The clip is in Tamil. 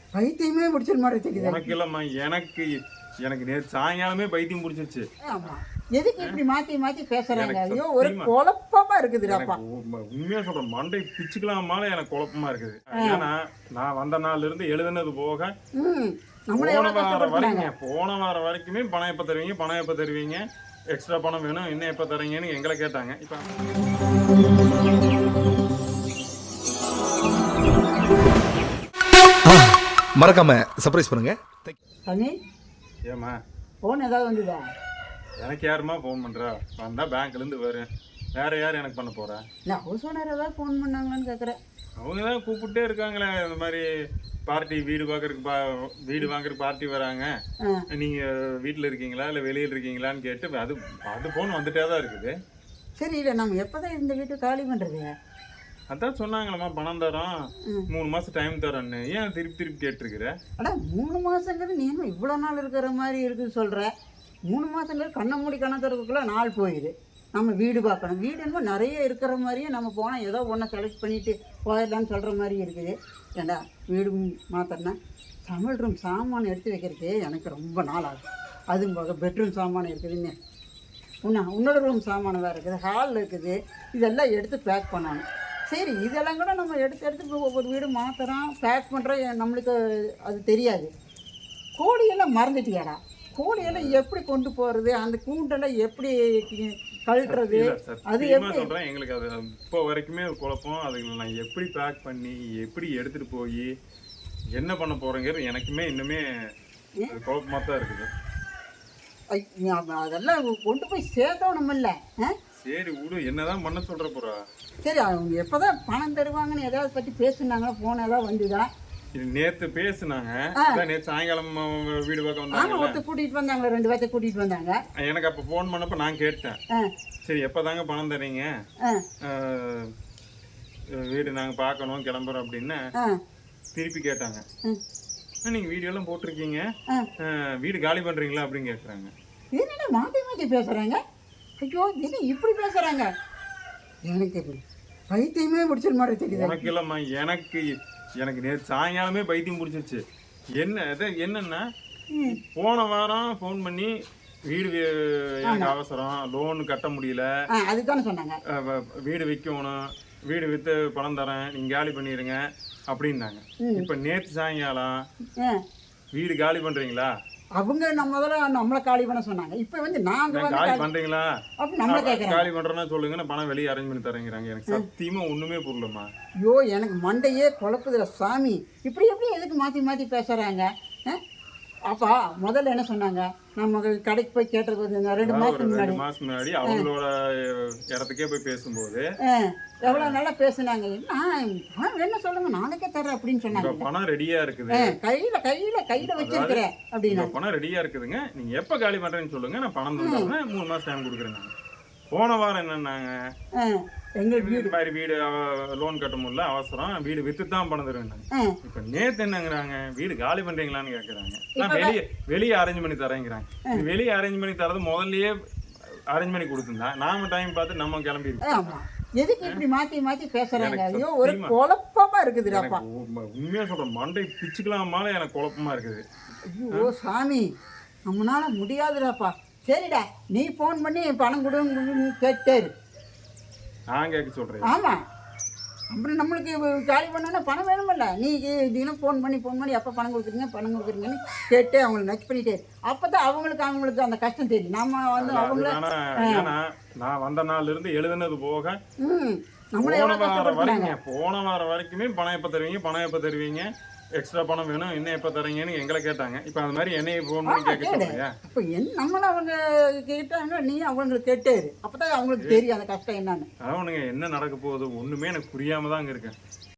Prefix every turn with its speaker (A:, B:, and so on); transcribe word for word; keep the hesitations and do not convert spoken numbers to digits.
A: பைத்தியமே பிடிச்சிரு மாதிரி தெரியுது.
B: உனக்கு இல்லம்மா, எனக்கு எனக்கு நேற்று சாயங்காலமே பைத்தியம் பிடிச்சிருச்சு.
A: ஆமா, எதுக்கு இப்படி மாத்தி மாத்தி பேசுறாங்க?
B: எனக்கு
A: ஐயோ, ஒரு
B: சத்தியமா
A: குழப்பமா இருக்குதுடாப்பா.
B: எனக்கு உண்ம- உண்மையா சொல்றேன், மண்டை பிச்சுக்கலாமால எனக்கு குழப்பமா இருக்குது. ஏன்னா நான் வந்த நாள்ல இருந்து எழுதுனது போக
A: ம் நம்மள
B: போன
A: எவ்வளவு
B: வாரம்
A: கஷ்டப்படுறாங்க.
B: வரைக்கும் போன வாரம் வரைக்குமே பணம் எப்ப தருவீங்க, பணம் எப்ப தருவீங்க, எக்ஸ்ட்ரா பணம் வேணும், இன்னும் எப்ப தரீங்கன்னு எங்களை கேட்டாங்க. இப்ப
C: மறக்காம சர்ப்ரைஸ் பண்ணுங்க.
A: சாமி,
B: ஏமா
A: போன் ஏதாவது வந்துதா?
B: எனக்கு யாருமா ஃபோன் பண்றா? வந்தா பேங்க்ல இருந்து வரும், வேற யார் எனக்கு பண்ண போறா?
A: இல்லை, ஹவுஸ் ஓனர் ஏதாவது ஃபோன் பண்ணாங்களான்னு கேட்குறேன்.
B: அவங்க தான் கூப்பிட்டே இருக்காங்களே, இந்த மாதிரி பார்ட்டி வீடு பார்க்கறதுக்கு பா வீடு வாங்குறதுக்கு பார்ட்டி வராங்க, நீங்க வீட்டில் இருக்கீங்களா இல்லை வெளியில் இருக்கீங்களான்னு கேட்டு அது அது ஃபோன் வந்துட்டே தான் இருக்குது.
A: சரி, இல்லை நம்ம எப்போ தான் இந்த வீட்டை காலி பண்ணுறது?
B: அதான் சொன்னாங்களம்மா பணம் தரோம், மூணு மாதம் டைம் தரோன்னு. ஏன் திருப்பி திருப்பி கேட்டிருக்கிற?
A: அடா, மூணு மாதங்கிறது நீ என்ன இவ்வளோ நாள் இருக்கிற மாதிரி இருக்குன்னு சொல்கிற? மூணு மாதங்கிறது கண்ணை மூடி கண்ணை திறக்கக்குள்ள நாள் போயிடுது. நம்ம வீடு பார்க்கணும், வீடு என்னமோ நிறைய இருக்கிற மாதிரியே நம்ம போனால் ஏதோ ஒன்றை செலக்ட் பண்ணிவிட்டு போயிடலான்னு சொல்கிற மாதிரி இருக்குது. ஏண்டா, வீடு மாத்திரனா சமையல் ரூம் சாமான் எடுத்து வைக்கிறதுக்கு எனக்கு ரொம்ப நாள் ஆகும். அதுவும் போக பெட்ரூம் சாமான் இருக்குதுன்னு உன்னா உன்னோட ரூம் சாமான் வேறு இருக்குது, ஹாலில் இருக்குது, இதெல்லாம் எடுத்து பேக் பண்ணணும். சரி, இதெல்லாம் கூட நம்ம எடுத்து எடுத்து ஒவ்வொரு வீடு மாத்திரம் பேக் பண்ணுறோம், நம்மளுக்கு அது தெரியாது. கோழியெல்லாம் மறந்துட்டியாடா? கோழியெல்லாம் எப்படி கொண்டு போகிறது, அந்த கூண்டெல்லாம் எப்படி கழட்டுறது, அது எப்படி
B: சொல்கிறேன். எங்களுக்கு அது இப்போ வரைக்குமே குழப்பம். அதுங்களை நான் எப்படி பேக் பண்ணி எப்படி எடுத்துகிட்டு போய் என்ன பண்ண போகிறேங்கிறது எனக்குமே இன்னுமே குழப்பமாக தான் இருக்குது.
A: அதெல்லாம் கொண்டு போய் சேர்த்தோம் இல்லை?
B: சரி விடு, என்னதான் பண்ண சொல்கிற போகிறா?
A: சரி, அவங்க எப்போ தான் பணம் தருவாங்கன்னு எதாவது பற்றி பேசுனாங்களா? ஃபோன் ஏதாவது வந்துதா?
B: இது நேற்று பேசுனாங்க. நேற்று சாயங்காலம் வீடு பார்க்க வந்தாங்க,
A: ஒருத்தர் கூட்டிகிட்டு வந்தாங்களா, ரெண்டு பேர்த்த கூட்டிகிட்டு வந்தாங்க.
B: எனக்கு அப்போ ஃபோன் பண்ணப்போ நான் கேட்டேன், சரி எப்போ தாங்க பணம் தரீங்க, வீடு நாங்கள் பார்க்கணும் கிளம்புறோம் அப்படின்னு திருப்பி கேட்டாங்க. நீங்கள் வீடியோலாம் போட்டிருக்கீங்க, வீடு காலி பண்ணுறீங்களா அப்படின்னு கேட்குறாங்க.
A: என்னடா மாற்றி மாற்றி பேசுகிறாங்க? ஐயோ, என்ன இப்படி பேசுகிறாங்க? எனக்கு பைத்தியமே பிடிச்சிரு மாதிரி தெரியுது.
B: உனக்கு இல்லைம்மா, எனக்கு எனக்கு நேற்று சாயங்காலமே பைத்தியம் பிடிச்சிருச்சு. என்ன இது என்னன்னா, போன வாரம் ஃபோன் பண்ணி வீடு எனக்கு அவசரம், லோன் கட்ட முடியல,
A: அதுதானே சொன்னாங்க,
B: வீடு விற்கணும், வீடு விற்று பணம் தரேன், நீங்கள் காலி பண்ணிடுங்க அப்படின்னாங்க. இப்போ நேற்று சாயங்காலம் வீடு காலி பண்ணுறீங்களா?
A: அவங்க நம்ம முதல்ல நம்மளை காலி பண்ண சொன்னாங்க. இப்போ வந்து நாங்கள்
B: காலி பண்ணுறீங்களா
A: அப்படி நம்மளை கேட்குறேன்.
B: காலி பண்ணுறேன்னா சொல்லுங்க, நான் பணம் வெளியே அரேஞ்ச் பண்ணி தரேங்கிறாங்க. எனக்கு சத்தியமாக ஒன்றுமே புரியலம்மா.
A: ஐயோ, எனக்கு மண்டையே குழப்புதுல சாமி. இப்படி எப்படி எதுக்கு மாற்றி மாற்றி பேசுகிறாங்க? அப்பா முதல்ல என்ன சொன்னாங்க, நம்ம கடைக்கு போய் கேட்டது ரெண்டு மாதம் முன்னாடி
B: மாதம் முன்னாடி அவங்களோட இடத்துக்கே போய் பேசும்போது
A: எவ்வளோ நல்லா பேசுனாங்க. என்ன என்ன சொல்லுங்க, நாளைக்கே தரேன் அப்படின்னு சொன்னாங்க.
B: பணம் ரெடியா இருக்குது,
A: கையில கையில கையில வச்சிருக்கிறேன் அப்படின்னா.
B: பணம் ரெடியா இருக்குதுங்க, நீங்க எப்ப காலி பண்றேன்னு சொல்லுங்க, நான் பணம் தந்துடுறேன், மூணு மாசம் டைம் கொடுக்குறேன். போன வாரம் என்னன்னாங்க,
A: எங்களுக்கு
B: வீடு மாதிரி வீடு லோன் கட்ட முடியல, அவசரம், வீடு வித்து தான் பணம் தருவேன். இப்ப நேத்து என்னங்கிறாங்க, வீடு காலி பண்றீங்களான்னு கேக்குறாங்க. நான் வெளியே வெளியே அரேஞ்ச் பண்ணி தரேங்கிறாங்க. வெளியே அரேஞ்ச் பண்ணி தரது முதல்லயே அரேஞ்ச் பண்ணி கொடுத்துருந்தா நாம டைம் பார்த்து நம்ம கிளம்பி இருக்கோம்.
A: எதுக்கு இப்படி மாத்தி மாத்தி பேசுறாங்க? ஐயோ, ஒரு குழப்பமா இருக்குதுடாப்பா.
B: உண்மையா சொல்றேன், மண்டை பிச்சுக்கலாமால எனக்கு குழப்பமா இருக்குது.
A: ஐயோ சாமி, நம்மளால முடியாதுடாப்பா. சரிடா, நீ ஃபோன் பண்ணி பணம் கொடுன்னு கேட்டாரு,
B: நான் கேட்க சொல்றேன்.
A: ஆமா, அப்புறம் நம்மளுக்கு காலி பண்ணோன்னா பணம் வேணுமில்ல. நீ தினம் ஃபோன் பண்ணி ஃபோன் பண்ணி எப்போ பணம் கொடுக்குறீங்க பணம் கொடுக்குறீங்கன்னு கேட்டு அவங்களை நச்சு பண்ணிட்டே, அப்போ தான் அவங்களுக்கு அவங்களுக்கு அந்த கஷ்டம் தெரியும். நம்ம வந்து அவங்கள
B: நான் வந்த நாள்ல இருந்து எழுதுனது போக
A: ம் நம்மளே
B: போன வாரம் வரைக்கும் போன வாரம் வரைக்குமே பணம் எப்போ தருவீங்க, பணம் எப்போ தருவீங்க, எக்ஸ்ட்ரா பணம் வேணும், இன்னும் எப்போ தரீங்கன்னு எங்களை கேட்டாங்க. இப்போ அந்த மாதிரி என்னைய ஃபோன் பண்ணி கேட்க சொல்றீங்க.
A: இப்போ என் நம்மள அவங்க கேட்டாங்க, நீ அவங்களுக்கு கேட்டாரு, அப்போ தான் அவங்களுக்கு தெரியும் அந்த கஷ்டம் என்னன்னு.
B: அதான் ஒன்றுங்க, என்ன நடக்க போகுது ஒன்றுமே எனக்கு புரியாம தான் அங்கே இருக்கேன்.